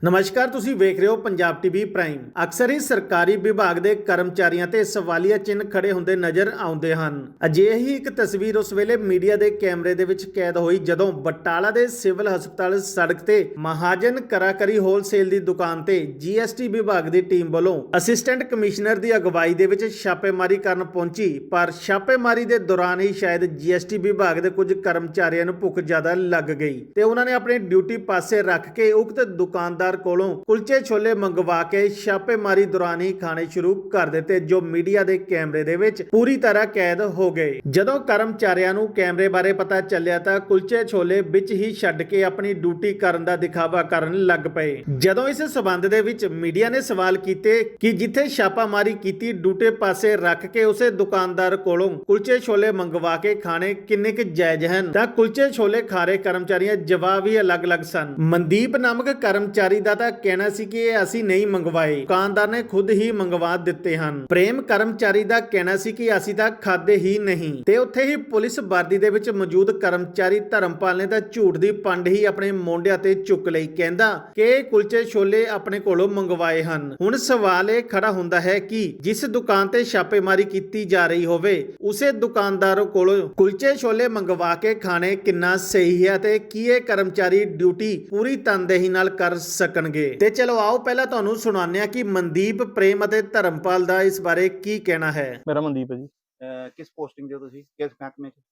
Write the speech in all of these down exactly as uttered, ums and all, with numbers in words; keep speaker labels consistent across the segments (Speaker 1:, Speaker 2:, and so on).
Speaker 1: ਨਮਸਕਾਰ, ਤੁਸੀਂ ਵੇਖ ਰਹੇ ਹੋ ਪੰਜਾਬ ਟੀਵੀ ਪ੍ਰਾਈਮ। ਅਕਸਰ ਹੀ ਸਰਕਾਰੀ ਵਿਭਾਗ ਦੇ ਕਰਮਚਾਰੀਆਂ ਤੇ ਸਵਾਲੀਆ ਚਿੰਨ੍ਹ ਖੜੇ ਹੁੰਦੇ ਨਜ਼ਰ ਆਉਂਦੇ ਹਨ। ਅਜਿਹੀ ਹੀ ਇੱਕ ਤਸਵੀਰ ਉਸ ਵੇਲੇ ਮੀਡੀਆ ਦੇ ਕੈਮਰੇ ਦੇ ਵਿੱਚ ਕੈਦ ਹੋਈ ਜਦੋਂ ਬਟਾਲਾ ਦੇ ਸਿਵਲ ਹਸਪਤਾਲ ਸੜਕ ਤੇ ਮਹਾਜਨ ਕਰਾਕਰੀ ਹੋਲਸੇਲ ਦੀ ਦੁਕਾਨ ਤੇ ਜੀਐਸਟੀ ਵਿਭਾਗ ਦੀ ਟੀਮ ਵੱਲੋਂ ਅਸਿਸਟੈਂਟ ਕਮਿਸ਼ਨਰ ਦੀ ਅਗਵਾਈ ਦੇ ਵਿੱਚ ਛਾਪੇਮਾਰੀ ਕਰਨ ਪਹੁੰਚੀ। ਪਰ ਛਾਪੇਮਾਰੀ ਦੇ ਦੌਰਾਨ ਹੀ ਸ਼ਾਇਦ ਜੀਐਸਟੀ ਵਿਭਾਗ ਦੇ ਕੁਝ ਕਰਮਚਾਰੀਆਂ ਨੂੰ ਭੁੱਖ ਜ਼ਿਆਦਾ ਲੱਗ ਗਈ ਤੇ ਉਹਨਾਂ ਨੇ ਆਪਣੀ ਡਿਊਟੀ ਪਾਸੇ ਰੱਖ ਕੇ ਉਕਤ ਦੁਕਾਨਦਾਰ ਕੋਲੋਂ ਕੁਲਚੇ ਛੋਲੇ ਮੰਗਵਾ ਕੇ ਛਾਪੇਮਾਰੀ ਦੌਰਾਨ ਹੀ ਖਾਣੇ ਸ਼ੁਰੂ ਕਰ ਦਿੱਤੇ, ਜੋ ਮੀਡੀਆ ਦੇ ਕੈਮਰੇ ਦੇ ਵਿੱਚ ਪੂਰੀ ਤਰ੍ਹਾਂ ਕੈਦ ਹੋ ਗਏ। ਜਦੋਂ ਕਰਮਚਾਰੀਆਂ ਨੂੰ ਕੈਮਰੇ ਬਾਰੇ ਪਤਾ ਚੱਲਿਆ ਤਾਂ ਕੁਲਚੇ ਛੋਲੇ ਵਿੱਚ ਹੀ ਛੱਡ ਕੇ ਆਪਣੀ ਡਿਊਟੀ ਕਰਨ ਦਾ ਦਿਖਾਵਾ ਕਰਨ ਲੱਗ ਪਏ। ਜਦੋਂ ਇਸ ਸਬੰਧ ਦੇ ਵਿੱਚ ਮੀਡੀਆ ਨੇ ਸਵਾਲ ਕੀਤੇ ਕਿ ਜਿੱਥੇ ਛਾਪਾਮਾਰੀ ਕੀਤੀ ਡਿਊਟੀ ਪਾਸੇ ਰੱਖ ਕੇ ਉਸੇ ਦੁਕਾਨਦਾਰ ਕੋਲੋਂ ਕੁਲਚੇ ਛੋਲੇ ਮੰਗਵਾ ਕੇ ਖਾਣੇ ਕਿੰਨੇ ਕੁ ਜਾਇਜ਼ ਹਨ, ਤਾਂ ਕੁਲਚੇ ਛੋਲੇ ਖਾ ਰਹੇ ਕਰਮਚਾਰੀਆਂ ਜਵਾਬ ਹੀ ਅਲੱਗ-ਅਲੱਗ ਸਨ। ਮਨਦੀਪ ਨਾਮਕ ਕਰਮਚਾਰੀ ਦਾ ਤਾਂ ਕਹਿਣਾ ਸੀ ਕਿ ਇਹ ਅਸੀਂ ਨਹੀਂ ਮੰਗਵਾਏ, ਦੁਕਾਨਦਾਰ ਨੇ ਖੁਦ ਹੀ ਮੰਗਵਾ ਦਿੱਤੇ ਹਨ। ਪ੍ਰੇਮ ਕਰਮਚਾਰੀ ਦਾ ਕਹਿਣਾ ਸੀ ਕਿ ਅਸੀਂ ਤਾਂ ਖਾਦੇ ਹੀ ਨਹੀਂ। ਤੇ ਉੱਥੇ ਹੀ ਪੁਲਿਸ ਵਰਦੀ ਦੇ ਵਿੱਚ ਮੌਜੂਦ ਕਰਮਚਾਰੀ ਧਰਮਪਾਲ ਨੇ ਤਾਂ ਝੂਠ ਦੀ ਪੰਡ ਹੀ ਆਪਣੇ ਮੋਢਿਆਂ ਤੇ ਚੁੱਕ ਲਈ, ਕਹਿੰਦਾ ਕਿ ਇਹ ਕੁਲਚੇ ਛੋਲੇ ਆਪਣੇ ਕੋਲੋਂ ਮੰਗਵਾਏ ਹਨ। ਹੁਣ ਸਵਾਲ ਇਹ ਖੜਾ ਹੁੰਦਾ ਹੈ ਕਿ ਜਿਸ ਦੁਕਾਨ ਤੇ ਛਾਪੇਮਾਰੀ ਕੀਤੀ ਜਾ ਰਹੀ ਹੋਵੇ ਉਸੇ ਦੁਕਾਨਦਾਰ ਕੋਲੋਂ ਕੁਲਚੇ ਛੋਲੇ ਮੰਗਵਾ ਕੇ ਖਾਣੇ ਕਿੰਨਾ ਸਹੀ ਹੈ ਤੇ ਕੀ ਇਹ ਕਰਮਚਾਰੀ ਡਿਊਟੀ ਪੂਰੀ ਤਨਦੇਹੀ ਨਾਲ ਕਰ ਸਕਣਗੇ। ਤੇ ਚਲੋ ਆਓ ਪਹਿਲਾਂ ਤੁਹਾਨੂੰ ਸੁਣਾਉਂਦੇ ਹਾਂ ਕਿ ਮਨਦੀਪ, ਪ੍ਰੇਮ ਅਤੇ ਧਰਮਪਾਲ ਦਾ ਇਸ ਬਾਰੇ ਕੀ ਕਹਿਣਾ ਹੈ।
Speaker 2: ਮੇਰਾ ਮਨਦੀਪ ਹੈ ਜੀ।
Speaker 3: ਅਹ ਕਿਸ ਪੋਸਟਿੰਗ ਦੇ ਹੋ ਤੁਸੀਂ, ਕਿਸ ਮਹਿਕਮੇ ਚ?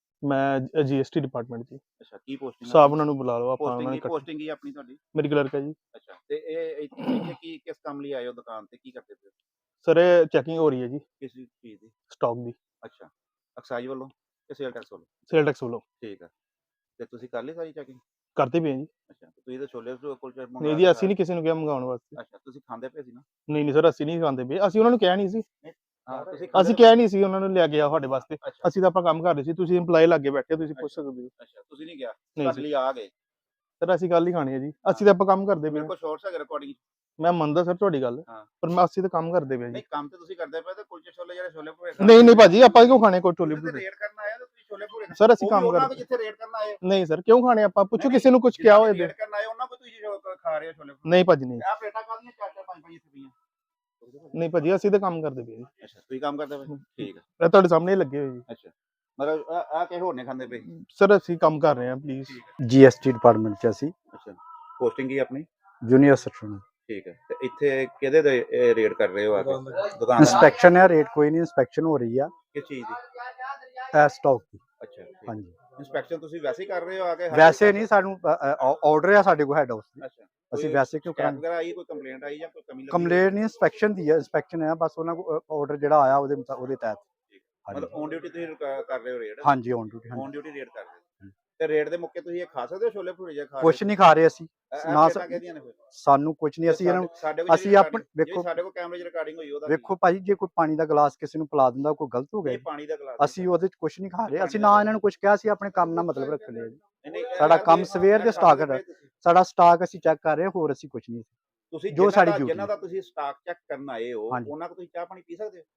Speaker 2: ਮੈਂ ਜੀਐਸਟੀ ਡਿਪਾਰਟਮੈਂਟ ਜੀ।
Speaker 3: ਅੱਛਾ, ਕੀ ਪੋਸਟਿੰਗ
Speaker 2: ਸਾਹਿਬ ਉਹਨਾਂ ਨੂੰ ਬੁਲਾ ਲਓ, ਆਪਾਂ ਉਹਨਾਂ
Speaker 3: ਪੋਸਟਿੰਗ
Speaker 2: ਨੇ
Speaker 3: ਕੀ
Speaker 2: ਇਕੱਠੇ-
Speaker 3: ਪੋਸਟਿੰਗ ਕੀ ਆਪਣੀ ਤੁਹਾਡੀ?
Speaker 2: ਮੇਰੀ ਕਲਰਕ ਹੈ ਜੀ।
Speaker 3: ਅੱਛਾ, ਤੇ ਇਹ ਇੱਥੇ ਇੱਥੇ ਕੀ ਕਿਸ ਕੰਮ ਲਈ ਆਏ ਹੋ ਦੁਕਾਨ ਤੇ, ਕੀ ਕਰਦੇ ਪਏ ਹੋ?
Speaker 2: ਸਰ ਇਹ ਚੈਕਿੰਗ ਹੋ ਰਹੀ ਹੈ ਜੀ
Speaker 3: ਕਿਸ ਚੀਜ਼ ਦੀ?
Speaker 2: ਸਟਾਕ ਦੀ,
Speaker 3: ਅੱਛਾ, ਐਕਸਾਈਜ਼ ਵੱਲੋਂ ਕਿ ਸੇਲ ਟੈਕਸ ਵੱਲੋਂ?
Speaker 2: ਸੇਲ ਟੈਕਸ ਵੱਲੋਂ।
Speaker 3: ਠੀਕ ਆ, ਤੇ ਤੁਸੀਂ ਕਰ ਲਈ ਸਾਰੀ ਚੈਕਿੰਗ?
Speaker 2: ਕਰਦੇ ਪਏ ਹਾਂ ਜੀ।
Speaker 3: ਅੱਛਾ, ਤੇ ਤੁਸੀਂ ਤਾਂ ਛੋਲੇ ਕੁਲਚੇ ਮੰਗਾ
Speaker 2: ਨਹੀਂ ਜੀ, ਅਸੀਂ ਨਹੀਂ ਕਿਸੇ ਨੂੰ ਕਿਹਾ ਮੰਗਾਉਣ ਵਾਸਤੇ।
Speaker 3: ਅੱਛਾ, ਤੁਸੀਂ ਖਾਂਦੇ ਪਏ ਸੀ ਨਾ?
Speaker 2: ਨਹੀਂ ਨਹੀਂ ਸਰ, ਅਸੀਂ ਨਹੀਂ ਖਾਂਦੇ ਪਏ। ਅਸੀਂ ਉਹਨਾਂ ਨੂੰ ਕਿਹਾ ਨਹੀਂ ਸੀ,
Speaker 3: ਹਾਂ, ਤੁਸੀਂ
Speaker 2: ਅਸੀਂ ਕਿਹਾ ਨਹੀਂ ਸੀ ਉਹਨਾਂ ਨੂੰ ਲਿਆ ਕੇ ਆ ਸਾਡੇ ਵਾਸਤੇ।
Speaker 3: ਅੱਛਾ
Speaker 2: ਅਸੀਂ ਤਾਂ ਆਪਾਂ ਕੰਮ ਕਰ ਰਹੇ ਸੀ, ਤੁਸੀਂ EMPLOYE ਲੱਗੇ ਬੈਠੇ, ਤੁਸੀਂ ਪੁੱਛ ਸਕਦੇ ਹੋ।
Speaker 3: ਅੱਛਾ, ਤੁਸੀਂ ਨਹੀਂ ਗਿਆ,
Speaker 2: ਨਹੀਂ
Speaker 3: ਤੁਹਾਡੇ
Speaker 2: ਜੀ
Speaker 3: ਲਈ ਆ ਗਏ?
Speaker 2: ਸਰ, ਅਸੀਂ ਗੱਲ ਹੀ ਖਾਣੀ ਹੈ ਜੀ, ਅਸੀਂ ਤਾਂ ਆਪਾਂ ਕੰਮ ਕਰਦੇ ਪਏ
Speaker 3: ਮੇਰੇ
Speaker 2: ਹਾਂ।
Speaker 3: ਕੋਲ ਸ਼ੋਰਟਸ ਹੈਗੇ ਰਿਕਾਰਡਿੰਗ।
Speaker 2: ਮੈਂ ਮੰਨਦਾ ਸਰ ਤੁਹਾਡੀ ਗੱਲ,
Speaker 3: ਹਾਂ,
Speaker 2: ਪਰ ਮੈਂ ਅਸੀਂ ਤਾਂ ਕੰਮ ਕਰਦੇ ਪਏ ਜੀ।
Speaker 3: ਨਹੀਂ ਕੰਮ ਤੇ ਤੁਸੀਂ ਕਰਦੇ ਪਏ ਤੇ ਕੁਲਚੇ ਛੋਲੇ ਜਿਹੜੇ ਛੋਲੇ ਭੂਰੇ
Speaker 2: ਨਹੀਂ ਨਹੀਂ ਭਾਜੀ, ਆਪਾਂ ਕਿਉਂ ਖਾਣੇ ਕੋਈ ਛੋਲੇ ਭਟੂਰੇ?
Speaker 3: ਰੇਡ ਕਰਨ ਆਏ ਤਾਂ ਤੁਸੀਂ ਛੋਲੇ ਭੂਰੇ ਖਾਣੇ?
Speaker 2: ਸਰ ਅਸੀਂ
Speaker 3: ਉਹ ਵੀ
Speaker 2: ਕੰਮ
Speaker 3: ਉਹਨਾਂ
Speaker 2: ਕਰਦੇ।
Speaker 3: ਕੋਲ ਜਿੱਥੇ ਰੇਡ ਕਰਨ ਆਏ?
Speaker 2: ਨਹੀਂ ਸਰ, ਕਿਉਂ ਖਾਣੇ ਆਪਾਂ? ਪੁੱਛੋ
Speaker 3: ਨਹੀਂ,
Speaker 2: ਕਿਸੇ ਨੂੰ ਕੁਝ ਕਿਹਾ ਹੋਏ।
Speaker 3: ਰੇਡ ਕਰਨ ਆਏ ਉਹਨਾਂ ਕੋਲ ਤੁਸੀਂ ਜੋ ਖਾ ਰਹੇ ਹੋ ਛੋਲੇ ਭਟੂਰੇ?
Speaker 2: ਨਹੀਂ ਭਾਜੀ ਨਹੀਂ,
Speaker 3: ਆ ਪਲੇਟਾਂ ਕਾਹਦੀਆਂ ਚਾਰ ਚਾਰ ਪੰਜ ਪੰਜ ਇੱਥੇ ਪਈਆਂ?
Speaker 2: ਨਹੀਂ ਭਾਜੀ, ਅਸੀਂ ਤਾਂ ਕੰਮ ਕਰਦੇ ਪਏ ਜੀ।
Speaker 3: ਅੱਛਾ, ਤੁਸੀਂ ਕੰਮ ਕਰਦੇ ਪਏ? ਠੀਕ ਆ।
Speaker 2: ਇਹ ਤੁਹਾਡੇ ਸਾਹਮਣੇ ਹੀ ਲੱਗੇ ਹੋਏ ਜੀ।
Speaker 3: ਅੱਛਾ, ਮਤਲਬ ਆ ਆ ਕਿਸੇ ਹੋਰ ਨੇ ਖਾਂਦੇ ਪਏ?
Speaker 2: ਸਰ ਅਸੀਂ ਕੰਮ ਕਰ ਰਹੇ ਹਾਂ, ਪਲੀਜ਼।
Speaker 4: ਜੀਐਸਟੀ ਡਿਪਾਰਟਮੈਂਟ ਚ ਅਸੀਂ
Speaker 3: ਅੱਛਾ, ਪੋਸਟਿੰਗ ਕੀ ਆਪਣੀ?
Speaker 4: ਜੂਨੀਅਰ ਸੈਕਸ਼ਨ
Speaker 3: ਠੀਕ ਹੈ, ਤੇ ਇੱਥੇ ਕਿਹਦੇ ਦੇ ਰੇਡ ਕਰ ਰਹੇ ਹੋ ਆ ਕੇ? ਦੁਕਾਨ ਦਾ?
Speaker 4: ਇੰਸਪੈਕਸ਼ਨ ਹੈ, ਰੇਟ ਕੋਈ ਨਹੀਂ, ਇੰਸਪੈਕਸ਼ਨ ਹੋ ਰਹੀ ਆ
Speaker 3: ਕਿਸ ਚੀਜ਼ ਦੀ?
Speaker 4: ਇਹ ਸਟਾਕ ਦੀ।
Speaker 3: ਅੱਛਾ,
Speaker 4: ਹਾਂਜੀ,
Speaker 3: ਇੰਸਪੈਕਸ਼ਨ ਤੁਸੀਂ ਵੈਸੇ ਹੀ ਕਰ ਰਹੇ ਹੋ ਆ ਕੇ? ਹਰ
Speaker 4: ਵੈਸੇ
Speaker 3: ਕੋਈ
Speaker 4: ਨਹੀਂ, ਸਾਨੂੰ ਆਰਡਰ ਆ ਸਾਡੇ ਕੋਲ ਹੈਡ ਹਾਊਸ ਦੀ,
Speaker 3: ਅੱਛਾ,
Speaker 4: ਅਸੀਂ
Speaker 3: ਕੋਈ
Speaker 4: ਵੈਸੇ ਕਿਉਂ
Speaker 3: ਸ਼ਿਕਾਇਤ
Speaker 4: ਕਰਾਂਗੇ?
Speaker 3: ਵਗੈਰਾ ਆਈ, ਕੋਈ ਕੰਪਲੇਂਟ ਆਈ ਜਾਂ ਕੋਈ ਕਮੀ ਲੱਗੀ?
Speaker 4: ਕੰਪਲੇਂਟ ਨਹੀਂ, ਇੰਸਪੈਕਸ਼ਨ ਦੀ ਹੈ, ਇੰਸਪੈਕਸ਼ਨ ਹੈ ਬਸ, ਉਹਨਾਂ ਕੋਲ ਆਰਡਰ ਜਿਹੜਾ ਆਇਆ ਉਹਦੇ ਮੁਤਾ- ਉਹਦੇ ਤਹਿਤ।
Speaker 3: ਮਤਲਬ ਔਨ ਡਿਊਟੀ ਤੁਸੀਂ ਕ- ਕਰ ਰਹੇ ਹੋ ਰੇਡ?
Speaker 4: ਹਾਂਜੀ, on duty.
Speaker 3: On duty raid ਕਰ ਰਹੇ ਹੋ, ਤੇ ਰੇਡ ਦੇ ਮੌਕੇ ਤੁਸੀਂ ਇਹ ਖਾ ਸਕਦੇ ਹੋ ਛੋਲੇ ਭਟੂਰੇ ਜਾਂ ਖਾ
Speaker 4: ਕੁਛ ਨਹੀਂ ਖਾ ਰਹੇ ਅਸੀਂ,
Speaker 3: ਇਹ
Speaker 4: ਨਾ
Speaker 3: ਪਲੇਟਾਂ ਕਿਹਦੀਆਂ ਨੇ ਫਿਰ?
Speaker 4: ਸਾਨੂੰ ਕੁਛ ਨਹੀਂ, ਅਸੀਂ ਇਹਨਾਂ ਨੂੰ
Speaker 3: ਸਾਡੇ ਕੋਲ
Speaker 4: ਅਸੀਂ ਆਪਣੇ ਵੇਖੋ
Speaker 3: ਸਾਡੇ ਕੋਲ ਕੈਮਰੇ 'ਚ ਰਿਕਾਰਡਿੰਗ ਹੋਈ ਉਹਦਾ
Speaker 4: ਵੇਖੋ ਭਾਜੀ, ਜੇ ਕੋਈ ਪਾਣੀ ਦਾ ਗਲਾਸ ਕਿਸੇ ਨੂੰ ਪਿਲਾ ਦਿੰਦਾ ਕੋਈ ਗਲਤ ਹੋ
Speaker 3: ਇਹ
Speaker 4: ਗਿਆ?
Speaker 3: ਪਾਣੀ ਦਾ ਗਲਾਸ
Speaker 4: ਅਸੀਂ ਉਹਦੇ ਚ ਕੁਛ ਨਹੀਂ ਖਾ ਰਹੇ, ਅਸੀਂ ਨਾ ਇਹਨਾਂ ਨੂੰ ਕੁਛ ਕਿਹਾ, ਅਸੀਂ ਆਪਣੇ ਕੰਮ ਨਾਲ ਮਤਲਬ ਰੱਖ ਲਿਆ ਜੀ।
Speaker 3: ਨਹੀਂ, ਨਹੀਂ, ਇਹ
Speaker 4: ਸਾਡਾ
Speaker 3: ਗੱਲ
Speaker 4: ਕੰਮ
Speaker 3: ਇਹ-
Speaker 4: ਸਵੇਰ ਦੇ
Speaker 3: ਇਹ
Speaker 4: ਸਟਾਕ
Speaker 3: ਕਰਦੇ
Speaker 4: ਹੈ।
Speaker 3: ਪਏ ਤੁਸੀਂ।
Speaker 4: ਸਾਡਾ ਸਟਾਕ ਅਸੀਂ ਚੈੱਕ ਕਰ ਰਹੇ ਹਾਂ, ਹੋਰ ਅਸੀਂ ਕੁਛ ਨਹੀਂ।
Speaker 3: ਤੁਸੀਂ
Speaker 4: ਜੋ
Speaker 3: ਜੋ
Speaker 4: ਸਾਡੀ
Speaker 3: ਸਾਡੀ
Speaker 4: duty
Speaker 3: ਜਿਨ੍ਹਾਂ ਦਾ ਤੁਸੀਂ ਸਟਾਕ ਚੈੱਕ ਕਰਨ ਆਏ ਹੋ,
Speaker 4: ਹਾਂਜੀ।
Speaker 3: ਉਹਨਾਂ ਕੋਲ ਤੁਸੀਂ ਚਾਹ ਪਾਣੀ ਪੀ ਸਕਦੇ ਹੋ?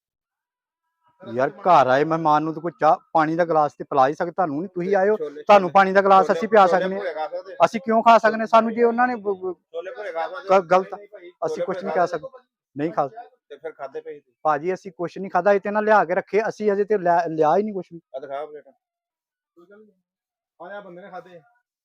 Speaker 4: ਯਾਰ ਘਰ ਆਏ ਮਹਿਮਾਨ ਨੂੰ ਤਾਂ ਕੋਈ ਚਾਹ ਪਾਣੀ ਦਾ ਗਲਾਸ ਤੇ ਪਿਲਾ ਹੀ ਸਕਦਾ, ਤੁਹਾਨੂੰ ਨਹੀਂ, ਤੁਸੀਂ ਆਏ ਹੋ
Speaker 3: ਛੋਲੇ-
Speaker 4: ਤੁਹਾਨੂੰ ਪਾਣੀ ਦਾ ਗਲਾਸ
Speaker 3: ਛੋਲੇ-
Speaker 4: ਅਸੀਂ ਪਿਆ
Speaker 3: ਛੋਲੇ
Speaker 4: ਸਕਦੇ ਹਾਂ,
Speaker 3: ਭਟੂਰੇ ਖਾ ਸਕਦੇ ਹੋ?
Speaker 4: ਅਸੀਂ ਕਿਉਂ ਖਾ ਸਕਦੇ ਹਾਂ? ਸਾਨੂੰ ਜੇ ਉਹਨਾਂ ਨੇ ਬ- ਬ-
Speaker 3: ਛੋਲੇ ਭਟੂਰੇ ਖਾ ਸਕਦੇ
Speaker 4: ਗ-
Speaker 3: ਹੋ?
Speaker 4: ਗਲਤ
Speaker 3: ਨਹੀਂ, ਨਹੀਂ ਭਾਈ,
Speaker 4: ਅਸੀਂ
Speaker 3: ਛੋਲੇ
Speaker 4: ਕੁਛ ਨਹੀਂ
Speaker 3: ਭਟੂਰੇ
Speaker 4: ਕਹਿ ਸਕਦੇ, ਨਹੀਂ ਖਾ
Speaker 3: ਤੇ ਫਿਰ ਖਾਦੇ ਪਏ ਤੁਸੀਂ?
Speaker 4: ਭਾਜੀ, ਅਸੀਂ ਕੁਛ ਨਹੀਂ ਖਾਦਾ, ਇਹ ਤੇ ਨਾ ਲਿਆ ਕੇ ਰੱਖੇ, ਅਸੀਂ ਅਜੇ ਤੇ ਲਿਆ ਲਿਆ ਹੀ ਨਹੀਂ ਕੁਛ ਵੀ।
Speaker 3: ਆ ਦਿਖਾ ਪਲੇਟਾਂ।
Speaker 2: ਆਇਆ ਬੰਦੇ ਨੇ ਖਾਦੇ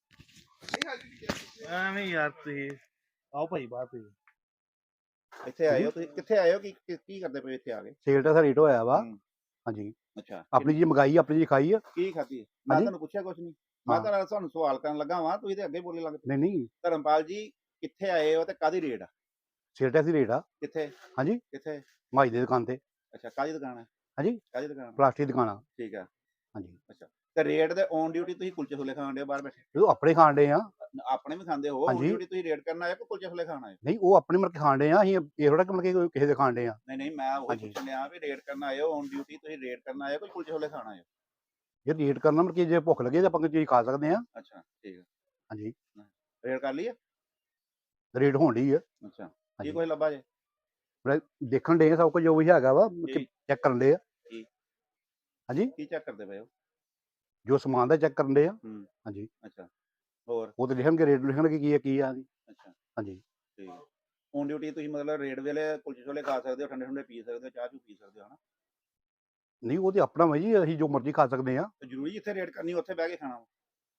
Speaker 2: ਐਵੇਂ ਯਾਰ, ਤੁਸੀਂ ਆਓ ਭਾਈ ਬਾਹਰ ਤੁਸੀਂ।
Speaker 3: ਇੱਥੇ ਆਏ ਹੋ ਤੁਸੀਂ, ਕਿੱਥੇ ਆਏ ਹੋ, ਕੀ ਕੀ- ਕੀ ਕਰਦੇ ਪਏ ਇੱਥੇ ਆ ਕੇ?
Speaker 4: ਸੇਲ ਦਾ ਰੇਟ ਹੋਇਆ ਵਾ।
Speaker 3: ਹੂੰ।
Speaker 4: ਹਾਂਜੀ,
Speaker 3: ਅੱਛਾ,
Speaker 4: ਆਪਣੀ ਜੀ ਮੰਗਾਈ, ਆਪਣੀ ਜੀ ਖਾਈ ਆ।
Speaker 3: ਕੀ ਖਾਧੀ ਹੈ? ਮੈਂ
Speaker 4: ਹਾਂਜੀ।
Speaker 3: ਤੁਹਾਨੂੰ ਪੁੱਛਿਆ ਕੁਛ ਨਹੀਂ, ਮੈਂ
Speaker 4: ਹਾਂ।
Speaker 3: ਤਾਂ ਤੁਹਾਨੂੰ ਸਵਾਲ ਕਰਨ ਲੱਗਾ ਵਾਂ, ਤੁਸੀਂ ਤੇ ਅੱਗੇ ਬੋਲੇ ਲੱਗ ਪਏ।
Speaker 4: ਨਹੀਂ ਨਹੀਂ,
Speaker 3: ਧਰਮਪਾਲ ਜੀ, ਕਿੱਥੇ ਆਏ ਹੋ ਤੇ ਕਾਦੀ ਰੇਟ ਆ?
Speaker 4: ਸੇਲ ਦਾ ਰੇਟ ਆ।
Speaker 3: ਕਿੱਥੇ?
Speaker 4: ਹਾਂਜੀ,
Speaker 3: ਕਿੱਥੇ?
Speaker 4: ਮਾਈ ਦੀ ਦੁਕਾਨ ਤੇ।
Speaker 3: ਅੱਛਾ, ਕਾਦੀ ਦੁਕਾਨ ਹੈ?
Speaker 4: ਹਾਂਜੀ,
Speaker 3: ਕਾਦੀ ਦੁਕਾਨ?
Speaker 4: ਪਲਾਸਟਿਕ ਦੀ ਦੁਕਾਨ ਆ।
Speaker 3: ਠੀਕ ਆ।
Speaker 4: ਹਾਂਜੀ,
Speaker 3: ਅੱਛਾ, ਤੇ ਰੇਟ ਦੇ ਔਨ ਡਿਊਟੀ ਤੁਸੀਂ ਕੁਲਚੇ ਛੋਲੇ ਖਾਣ ਦੇ ਬਾਹਰ ਬੈਠੇ?
Speaker 4: ਉਹ ਆਪਣੇ ਖਾਣ ਡੇ ਆ।
Speaker 3: ਆਪਣੇ ਵੀ ਖਾਂਦੇ ਹੋ? ਔਨ
Speaker 4: ਹਾਂਜੀ।
Speaker 3: ਡਿਊਟੀ ਤੁਸੀਂ ਰੇਟ ਕਰਨ ਆਏ ਕਿ ਕੁਲਚੇ ਛੋਲੇ ਖਾਣ ਆਏ?
Speaker 4: ਨਹੀਂ, ਉਹ ਆਪਣੇ ਮਤਲਬ ਖਾਣ ਡੇ ਆ, ਅਸੀਂ ਇਹ ਥੋੜਾ ਕਿ ਮਤਲਬ ਕਿਸੇ ਦੇ ਖਾਣ ਡੇ ਆ।
Speaker 3: ਨਹੀਂ ਨਹੀਂ, ਮੈਂ ਉਹ
Speaker 4: ਹਾਂਜੀ।
Speaker 3: ਪੁੱਛਣ ਲਿਆ ਵੀ ਰੇਟ ਕਰਨ ਆਏ ਹੋ, ਔਨ ਡਿਊਟੀ ਤੁਸੀਂ ਰੇਟ ਕਰਨ ਆਏ ਹੋ ਕਿ ਕੁਲਚੇ ਛੋਲੇ ਖਾਣ ਆਏ ਹੋ?
Speaker 4: ਜੇ ਰੇਟ ਕਰਨਾ ਮਤਲਬ ਕਿ ਜੇ ਭੁੱਖ ਲੱਗੇ ਤਾਂ ਆਪਾਂ ਕੋਈ ਚੀਜ਼ ਖਾ ਸਕਦੇ ਆ।
Speaker 3: ਅੱਛਾ, ਠੀਕ ਹੈ।
Speaker 4: ਹਾਂਜੀ,
Speaker 3: ਰੇਟ ਕਰ ਲਈ ਹੈ?
Speaker 4: ਰੇਟ ਹੋਣ ਡਈ ਆ।
Speaker 3: ਅੱਛਾ, ਕੀ
Speaker 4: ਹਾਂਜੀ।
Speaker 3: ਕੁਝ ਲੱਭਾ ਜੇ?
Speaker 4: ਦੇਖਣ ਡੇ ਆ ਸਭ ਕੁਝ ਜੋ ਵੀ ਹੈਗਾ ਵਾ,
Speaker 3: ਜੀ।
Speaker 4: ਚੈੱਕ ਕਰਨ ਡੇ ਆ।
Speaker 3: ਕੀ?
Speaker 4: ਹਾਂਜੀ,
Speaker 3: ਕੀ ਚੈੱਕ ਕਰਦੇ ਪਏ ਹੋ?
Speaker 4: ਜੋ ਸਮਾਨ ਦਾ ਚੈੱਕ ਕਰਨ ਡੇ ਆ।
Speaker 3: ਹੂੰ।
Speaker 4: ਹਾਂਜੀ,
Speaker 3: ਅੱਛਾ, ਹੋਰ?
Speaker 4: ਉਹ ਤੇ ਲਿਖਣਗੇ, ਰੇਟ ਲਿਖਣਗੇ ਕੀ ਆ ਕੀ ਆ ਜੀ।
Speaker 3: ਅੱਛਾ,
Speaker 4: ਹਾਂਜੀ
Speaker 3: ਠੀਕ ਔਨ ਡਿਊਟੀ ਤੁਸੀਂ ਮਤਲਬ ਰੇਡ ਵੇਲੇ ਕੁਲਚੇ ਛੋਲੇ ਖਾ ਸਕਦੇ ਹੋ, ਠੰਡੇ ਠੰਡੇ ਪੀ ਸਕਦੇ ਹੋ, ਚਾਹ ਚੂ ਪੀ ਸਕਦੇ ਹੋ ਹਨਾ।
Speaker 4: ਨਹੀਂ ਉਹ ਤੇ ਆਪਣਾ ਵਾ ਜੀ, ਅਸੀਂ ਜੋ ਮਰਜ਼ੀ ਖਾ ਸਕਦੇ ਆ।
Speaker 3: ਤੇ ਜ਼ਰੂਰੀ ਜਿੱਥੇ ਰੇਡ ਕਰਨੀ ਉੱਥੇ ਬਹਿ ਕੇ ਖਾਣਾ ਵਾ?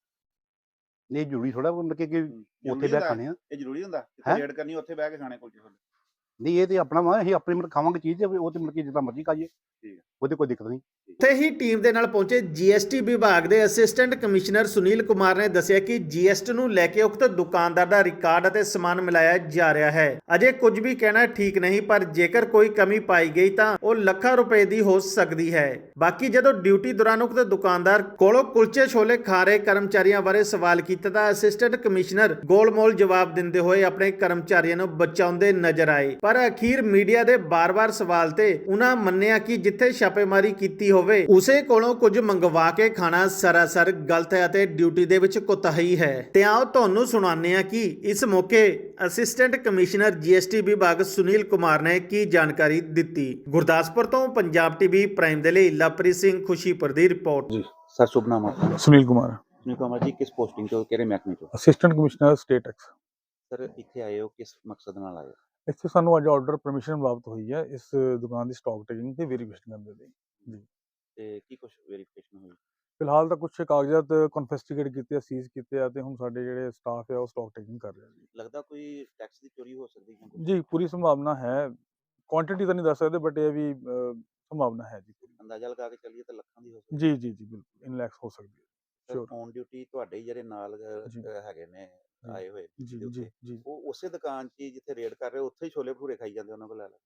Speaker 4: ਨਹੀਂ ਜ਼ਰੂਰੀ ਥੋੜਾ ਮਤਲਬ ਕਿ ਕਿ
Speaker 3: ਹੂੰ,
Speaker 4: ਉੱਥੇ
Speaker 3: ਜ਼ਰੂਰੀ
Speaker 4: ਬਹਿ
Speaker 3: ਹੁੰਦਾ
Speaker 4: ਖਾਣੇ ਆ।
Speaker 3: ਇਹ ਜ਼ਰੂਰੀ ਹੁੰਦਾ
Speaker 4: ਹੈਂ?
Speaker 3: ਜਿੱਥੇ ਰੇਡ ਕਰਨੀ ਉੱਥੇ ਬਹਿ ਕੇ ਖਾਣੇ ਕੁਲਚੇ ਛੋਲੇ?
Speaker 4: ਨਹੀਂ ਇਹ ਤੇ ਆਪਣਾ ਵਾ, ਅਸੀਂ ਆਪਣੀ ਮਤਲਬ ਖਾਵਾਂਗੇ ਚੀਜ਼ ਤੇ ਉਹ ਤੇ ਮਤਲਬ ਕਿ ਜਿੱਦਾਂ ਮਰਜ਼ੀ ਖਾਈਏ,
Speaker 3: ਠੀਕ ਹੈ।
Speaker 4: ਉਹਦੇ ਕੋਈ ਦਿੱਕਤ ਨਹੀਂ।
Speaker 1: ਉੱਥੇ ਹੀ ਟੀਮ ਦੇ ਨਾਲ ਪਹੁੰਚੇ ਜੀਐਸਟੀ ਵਿਭਾਗ ਦੇ ਅਸਿਸਟੈਂਟ ਕਮਿਸ਼ਨਰ ਸੁਨੀਲ ਕੁਮਾਰ ਨੇ ਦੱਸਿਆ ਕਿ ਜੀਐਸਟੀ ਨੂੰ ਲੈ ਕੇ ਉਕਤ ਦੁਕਾਨਦਾਰ ਦਾ ਰਿਕਾਰਡ ਅਤੇ ਸਮਾਨ ਮਿਲਾਇਆ ਜਾ ਰਿਹਾ ਹੈ। ਅਜੇ ਕੁਝ ਵੀ ਕਹਿਣਾ ਠੀਕ ਨਹੀਂ, ਪਰ ਜੇਕਰ ਕੋਈ ਕਮੀ ਪਾਈ ਗਈ ਤਾਂ ਉਹ ਲੱਖਾਂ ਰੁਪਏ ਦੀ ਹੋ ਸਕਦੀ ਹੈ। ਬਾਕੀ ਜਦੋਂ ਡਿਊਟੀ ਦੌਰਾਨ ਉਕਤ ਦੁਕਾਨਦਾਰ ਕੋਲੋਂ ਕੁਲਚੇ ਛੋਲੇ ਖਾ ਰਹੇ ਕਰਮਚਾਰੀਆਂ ਬਾਰੇ ਸਵਾਲ ਕੀਤਾ ਤਾਂ ਅਸਿਸਟੈਂਟ ਕਮਿਸ਼ਨਰ ਗੋਲਮੋਲ ਜਵਾਬ ਦਿੰਦੇ ਹੋਏ ਆਪਣੇ ਕਰਮਚਾਰੀਆਂ ਨੂੰ ਬਚਾਉਂਦੇ ਨਜ਼ਰ ਆਏ। ਪਰ ਅਖੀਰ ਮੀਡੀਆ ਦੇ ਬਾਰ-ਬਾਰ ਸਵਾਲ ਤੇ ਉਹਨਾਂ ਮੰਨਿਆ ਕਿ ਜਿੱਥੇ ਛਾਪੇਮਾਰੀ ਕੀਤੀ ਹੋਵੇ ਉਸੇ ਕੋਲੋਂ ਕੁਝ ਮੰਗਵਾ ਕੇ ਖਾਣਾ ਸਰਾਸਰ ਗਲਤ ਹੈ ਅਤੇ ਡਿਊਟੀ ਦੇ ਵਿੱਚ ਕੁਤਾਹੀ ਹੈ। ਤੇ ਆਓ ਤੁਹਾਨੂੰ ਸੁਣਾਉਂਦੇ ਹਾਂ ਕਿ ਇਸ ਮੌਕੇ ਅਸਿਸਟੈਂਟ ਕਮਿਸ਼ਨਰ ਜੀਐਸਟੀ ਵਿਭਾਗ ਸੁਨੀਲ ਕੁਮਾਰ ਨੇ ਕੀ ਜਾਣਕਾਰੀ ਦਿੱਤੀ। ਗੁਰਦਾਸਪੁਰ ਤੋਂ ਪੰਜਾਬ ਟੀਵੀ ਪ੍ਰਾਈਮ ਦੇ ਲਈ ਲਵਪ੍ਰੀਤ ਸਿੰਘ ਖੁਸ਼ੀਪੁਰ ਦੀ ਰਿਪੋर्ट।
Speaker 3: ਜੀ ਸਰ, ਸ਼ੁਭ ਨਾਮ ਆਪਣਾ?
Speaker 2: ਸੁਨੀਲ ਕੁਮਾਰ,
Speaker 3: ਸੁਨੀਲ ਕੁਮਾਰ ਜੀ, ਕਿਸ ਪੋਸਟਿੰਗ ਤੋਂ, ਕਿਹੜੇ ਮਹਿਕਮੇ ਤੋਂ?
Speaker 2: Assistant commissioner state tax.
Speaker 3: Sir ਇੱਥੇ ਆਏ ਹੋ ਕਿਸ ਮਕਸਦ ਨਾਲ ਆਏ ਹੋ?
Speaker 2: ਇੱਥੇ ਸਾਨੂੰ ਅੱਜ ਆਰਡਰ ਪਰਮਿਸ਼ਨ ਪ੍ਰਾਪਤ ਹੋਈ ਹੈ ਇਸ ਦੁਕਾਨ ਦੀ ਸਟਾਕ ਟੇਕਿੰਗ ਤੇ ਵੈਰੀਫਿਕੇਸ਼ਨ ਕਰਨ ਦੇ ਲਈ।
Speaker 3: ਤੇ ਕੀ ਕੁਝ ਵੈਰੀਫਿਕੇਸ਼ਨ ਹੋਈ?
Speaker 2: ਫਿਲਹਾਲ ਤਾਂ ਕੁਝ ਕਾਗਜ਼ਾਤ ਕਨਫਿਸਕੇਟ ਕੀਤੇ ਆ, ਸੀਜ਼ ਕੀਤੇ ਆ ਤੇ ਹੁਣ ਸਾਡੇ ਜਿਹੜੇ ਸਟਾਫ ਹੈ ਉਹ ਸਟਾਕ ਟੇਕਿੰਗ ਕਰ ਰਿਹਾ ਜੀ।
Speaker 3: ਲੱਗਦਾ ਕੋਈ ਟੈਕਸ ਦੀ ਚੋਰੀ ਹੋ ਸਕਦੀ ਹੈ?
Speaker 2: ਜੀ ਪੂਰੀ ਸੰਭਾਵਨਾ ਹੈ, ਕੁਆਂਟੀਟੀ ਤਾਂ ਨਹੀਂ ਦੱਸ ਸਕਦੇ ਬਟ ਇਹ ਵੀ ਅਹ, ਸੰਭਾਵਨਾ ਹੈ ਜੀ ਪੂਰੀ।
Speaker 3: ਅੰਦਾਜ਼ਾ ਲਗਾ ਕੇ ਚੱਲੀਏ ਤਾਂ ਲੱਖਾਂ ਦੀ ਹੋ ਸਕਦੀ
Speaker 2: ਜੀ ਜੀ ਜੀ ਬਿਲਕੁਲ ਇਨ ਲੈਕਸ ਹੋ ਸਕਦੀ ਹੈ।
Speaker 3: ਹੈ।
Speaker 2: Sure.
Speaker 3: ਔਨ ਡਿਊਟੀ ਤੁਹਾਡੇ ਹੀ ਜਿਹੜੇ ਨਾਲ ਅਹ,
Speaker 2: ਜੀ।
Speaker 3: ਅਹ, ਹੈਗੇ ਨੇ ਆਏ ਹੋਏ
Speaker 2: ਜੀ
Speaker 3: ਦੇ
Speaker 2: ਜੀ
Speaker 3: ਉੱਤੇ,
Speaker 2: ਜੀ
Speaker 3: ਉਹ ਉਸੇ ਦੁਕਾਨ 'ਚ ਹੀ ਜਿੱਥੇ ਰੇਡ ਕਰ ਰਹੇ ਉੱਥੇ ਹੀ ਛੋਲੇ ਭਟੂਰੇ ਖਾਈ ਜਾਂਦੇ, ਉਹਨਾਂ ਕੋਲ ਲੈ ਲੈ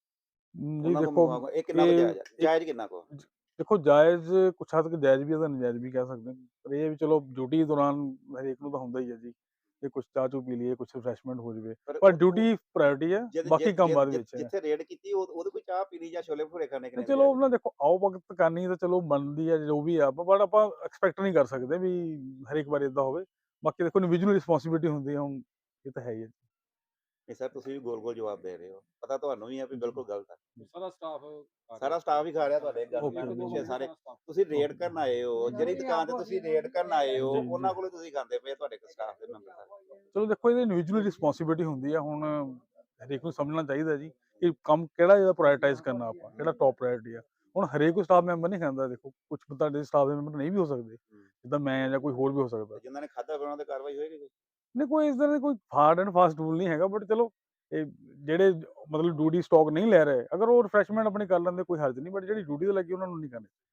Speaker 2: ਮ, ਜੀ
Speaker 3: ਉਹਨਾਂ ਕੋਲ
Speaker 2: ਦੇਖੋ
Speaker 3: ਮੰਗਵਾ- ਇਹ ਕਿੰਨਾ ਕੁ
Speaker 2: ਇਹ
Speaker 3: ਜਾਇਜ਼ ਹੈ?
Speaker 2: ਇੱਕ-
Speaker 3: ਜਾਇਜ਼ ਕਿੰਨਾ ਕੁ?
Speaker 2: ਦੇਖੋ ਜਾਇਜ਼ ਕੁਛ ਹੱਦ ਤੱਕ ਜਾਇਜ਼ ਵੀ ਹੈ ਤਾਂ ਨਜਾਇਜ਼ ਵੀ ਕਹਿ ਸਕਦੇ ਹਾਂ, ਪਰ ਇਹ ਹੈ ਵੀ ਚਲੋ ਡਿਊਟੀ ਦੌਰਾਨ ਹਰੇਕ ਨੂੰ ਤਾਂ ਹੁੰਦਾ ਹੀ ਹੈ ਜੀ ਕਿ ਕੁਛ ਚਾਹ ਚੂ ਪੀ ਲਈਏ, ਕੁਛ ਰਿਫਰੈਸ਼ਮੈਂਟ ਹੋ ਜਾਵੇ, ਪਰ
Speaker 3: ਉਹ-
Speaker 2: ਡਿਊਟੀ ਪ੍ਰਾਇੋਰਟੀ ਹੈ,
Speaker 3: ਜਿ-
Speaker 2: ਬਾਕੀ
Speaker 3: ਜਿ-
Speaker 2: ਕੰਮ
Speaker 3: ਜਿ-
Speaker 2: ਬਾਅਦ
Speaker 3: ਜਿ-
Speaker 2: ਵਿੱਚ ਹੈ।
Speaker 3: ਜਿੱਥੇ ਰੇਡ ਕੀਤੀ ਉਹ- ਉਹਦੇ ਕੋਈ ਚਾਹ ਪੀਣੀ ਜਾਂ ਛੋਲੇ ਭਟੂਰੇ ਖਾਣੇ
Speaker 2: ਤੇ
Speaker 3: ਕਿੰਨੇ
Speaker 2: ਚਲੋ ਉਹਨਾਂ ਦੇਖੋ ਆਓ ਵਕਤ ਕਰਨੀ ਤਾਂ ਚਲੋ ਬਣਦੀ ਹੈ ਜੋ ਵੀ ਆ, ਬਟ ਆਪਾਂ ਐਕਸਪੈਕਟ ਨਹੀਂ ਕਰ ਸਕਦੇ ਵੀ ਹਰੇਕ ਵਾਰ ਇਦਾਂ ਹੋਵੇ। ਬਾਕੀ ਦੇਖੋ ਇੰਡੀਵਿਜੂਅਲ ਰਿਸਪੌਂਸਿਬਿਲਿਟੀ ਹੁੰਦੀ ਹੈ, ਹੁਣ ਇਹ ਤਾਂ ਹੈ ਹੀ ਹੈ।
Speaker 3: ਨਹੀਂ ਸਰ, ਤੁਸੀਂ ਵੀ ਗੋਲ ਗੋਲ ਜਵਾਬ ਦੇ ਰਹੇ ਹੋ, ਪਤਾ ਤੁਹਾਨੂੰ ਵੀ ਹੈ ਵੀ ਬਿਲਕੁਲ ਗਲਤ ਹੈ।
Speaker 5: ਸਾਰਾ ਸਟਾਫ
Speaker 3: ਸਾਰਾ ਸਟਾਫ ਹੀ ਖਾ ਰਿਹਾ ਤੁਹਾਡੇ ਗੱਲ
Speaker 2: Okay,
Speaker 3: ਦੇ ਪਿੱਛੇ
Speaker 2: okay.
Speaker 3: ਸਾਰੇ। ਤੁਸੀਂ ਰੇਡ ਕਰਨ ਆਏ ਹੋ, ਜਿਹੜੀ ਦੁਕਾਨ ਤੇ ਤੁਸੀਂ ਰੇਡ ਕਰਨ ਆਏ ਹੋ
Speaker 2: ਜੀ, ਜੀ।
Speaker 3: ਉਹਨਾਂ ਕੋਲੋਂ ਤੁਸੀਂ ਖਾਂਦੇ ਪਏ, ਤੁਹਾਡੇ ਸਟਾਫ ਦੇ ਮੈਂਬਰ ਸਾਰੇ।
Speaker 2: ਚਲੋ ਦੇਖੋ ਇਹਦੀ ਇੰਡੀਵਿਜੂਅਲ ਰਿਸਪੌਂਸਿਬਿਲਿਟੀ ਹੁੰਦੀ ਹੈ, ਹੁਣ ਹਰੇਕ ਨੂੰ ਸਮਝਣਾ ਚਾਹੀਦਾ ਜੀ ਕਿ ਕੰਮ ਕਿਹੜਾ ਜਿਹੜਾ ਪ੍ਰਾਇੋਰਟਾਈਜ਼ ਕਰਨਾ, ਆਪਾਂ ਕਿਹੜਾ ਟੌਪ ਪ੍ਰਾਇੋਰਟੀ ਆ। ਹੁਣ ਹਰੇਕ ਕੋਈ ਸਟਾਫ ਮੈਂਬਰ ਨਹੀਂ ਖਾਂਦਾ, ਦੇਖੋ ਕੁਝ ਤੁਹਾਡੇ ਸਟਾਫ ਦੇ ਮੈਂਬਰ ਨਹੀਂ ਵੀ ਹੋ ਸਕਦੇ, ਜਿੱਦਾਂ ਮੈਂ ਜਾਂ ਕੋਈ ਹੋਰ ਵੀ ਹੋ ਸਕਦਾ।
Speaker 3: ਜਿਨ੍ਹਾਂ ਨੇ ਖਾਧਾ ਫਿਰ ਉਹਨਾਂ ਤੇ ਕਾਰਵਾਈ ਹੋਏਗੀ ਕੋਈ?
Speaker 2: ਨਹੀਂ ਕੋਈ ਇਸ ਤਰ੍ਹਾਂ ਦੀ ਕੋਈ ਹਾਰਡ ਐਂਡ ਫਾਸਟ ਰੂਲ ਨਹੀਂ ਹੈਗਾ, ਬਟ ਚਲੋ ਇਹ ਜਿਹੜੇ ਮਤਲਬ ਡਿਊਟੀ ਸਟਾਕ ਨਹੀਂ ਲੈ ਰਹੇ, ਅਗਰ ਉਹ ਰਿਫਰੈਸ਼ਮੈਂਟ ਆਪਣੀ ਕਰ ਲੈਂਦੇ ਕੋਈ ਹਰਜ ਨਹੀਂ, ਬਟ ਜਿਹੜੀ ਡਿਊਟੀ ਤੇ ਲੱਗੀ ਉਹਨਾਂ ਨੂੰ ਨਹੀਂ ਕਰਨੀ।